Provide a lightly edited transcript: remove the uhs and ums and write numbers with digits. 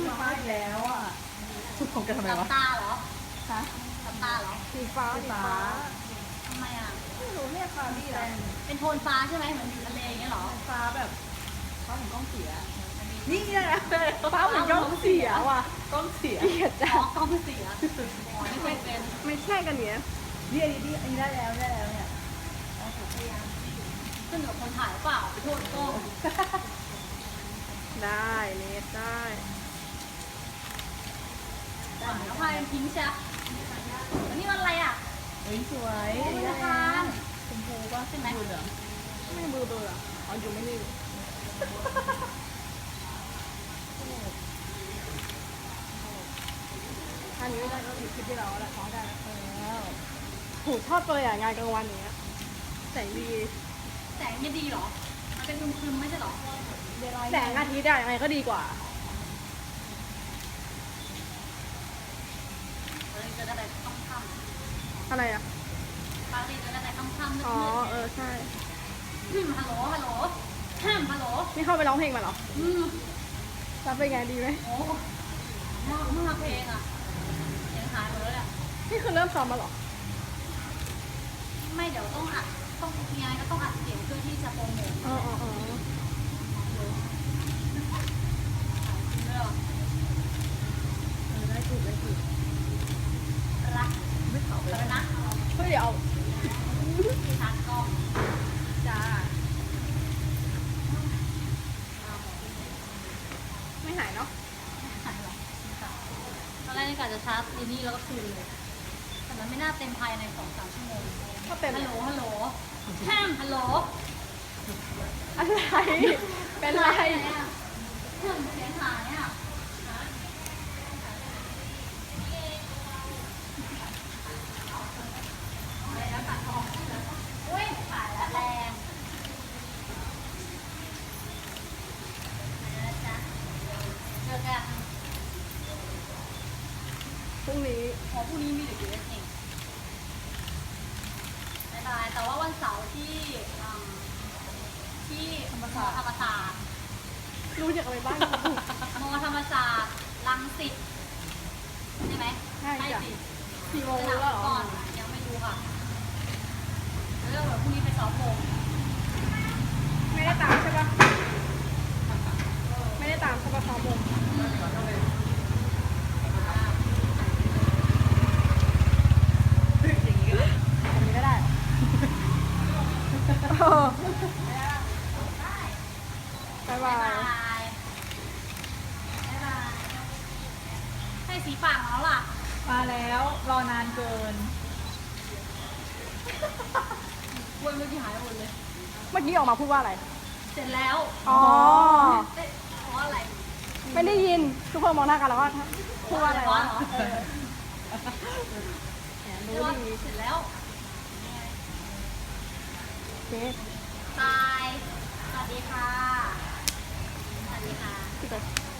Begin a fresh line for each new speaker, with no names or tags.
ฟ้าอีกแล้วอ่ะชุดของแกทำไม
หลั
วะ
บตาเหรอ
ฮะ
หลับตาเหรอ
สีฟ้าสีฟ้า
ทำไมอ่ะ
ไม่รู้เนี่ยค่ะพี่แรง
เป็นโทนฟ้าใช่ไหมเหมือนอยู่ทะเลอย่างเงี้ยเหรอ
ฟ้าแบบฟ้าเหมือนกล้องเสียนี่ไงฟ้าเหมือนกล้องเสียว่ะกล้องเสีย
อ๋อกล้องเสียอ๋อไม่เคยเป็น
ไม่ใช่กันเนี้ย
นี่อันนี้ได้แล้วเนี่ย
ขึ้นกับคนถ่ายหรือเปล่าไปโทษกล้อง
ได้เนสได้
ถ่ายแล้วพายเป็นพิงค์ใช่ไหมแล้วนี่มันอะไรอ่ะ
เฮ้ยสวย
โอ้ย
ได้
ทาน
ชมพูป่ะ
ใช่ไหม
ดูเหลือง
ไม่เบอร์อ่ะอ๋ออยู่ไม่นิ่งอันนี้ไม่ได้ก็อยู่คลิปที่เราแหละขอได้แล้วถูกชอบเลยอ่ะงานกลางวันอย่างเงี้ยแสงดี
แสงไม่ดีเหรอ มันเป็นครึมๆไม่ใช่เหรอ
แสงอาทิตย์อะยังไงก็ดีกว่า
เราจะได้ค่ำ
อะไรอ่ะ
ๆปกติจะได้ค่ำๆมืด
อ๋อ
ๆ
ใช่
ฮัลโหลฮัลโหลฮัลโหล
นี่เข้าไปร้องเพลงมาเหรอ
อืม
รับเป็นไงดีไหม
โอ้มากเพลงอ่ะเสียงหายหมดแล้วเนี่ย
นี่คือเริ่มซ้อมมาเหรอ
ไม่เดี๋ยวต้องอัดต้องมีอะไรก็ต้องอัดเสียงเพื่อที่จะโปรโมท
อ๋ออ๋ออ๋อ
ได้ถูก
รักไม่เขาแล้วนะ
เฮ้ยเดี๋ยวเอา
ชาร์จกล้อง
จ้าไม่หายเนาะ
ตอนแรกนี่กะจะชาร์จดีนี่แล้วก็คืนเลย แต่มันไม่น่าเต็มภายใน 2-3 ชั่วโมง
ก็เต็ม
ฮัลโหลฮัลโหลฮัลโหล
อะไร เป็นไร
เสียงหายอ่ะอุ้ยขายแล้วแรงเจอกัน
พรุ่งนี้
พอพรุ่งนี้มีเด็กเยอะเองบ๊ายบายแต่ว่าวันเสาร์ที่ธรรมศาสตร์
รู้จักอะไรบ้าง
มอธรรมศาสตร์รังสิตใช่ไหม
ใช่จ้ะ
สิ
4 โมง
ส
แล้
นาว ม
เหรอ
ก่อนยังไม่รู้ค่ะแล้วเดี๋ยวพรุ่งนี้ไปซ้อมวง
ไม่ได้ตามใช่ปะไม่ได้ตามใช่ปะซ้อมวงอย่างนี้ก็ได้เออบายบา
บ๊าย
ย
บายให้สีปากมาแล้วล่ะ
มาแล้วรอนานเกิน
วนเมื่อกี้หายหมดเลย
เมื่อกี้ออกมาพูดว่าอะไร
เสร็จแล้ว
อ๋อ
เอ๊ะเพราะอะไร
ไม่ได้ยิน ทุกคนมองหน้ากันแล้วก็พูดว่าอะไรวะ
เออ
รู้
เรียกว่า
ดี
เสร็จแล้ว
โอเค
บาย สวัสดีค่ะ สวัสดีค่ะ
ปิดไป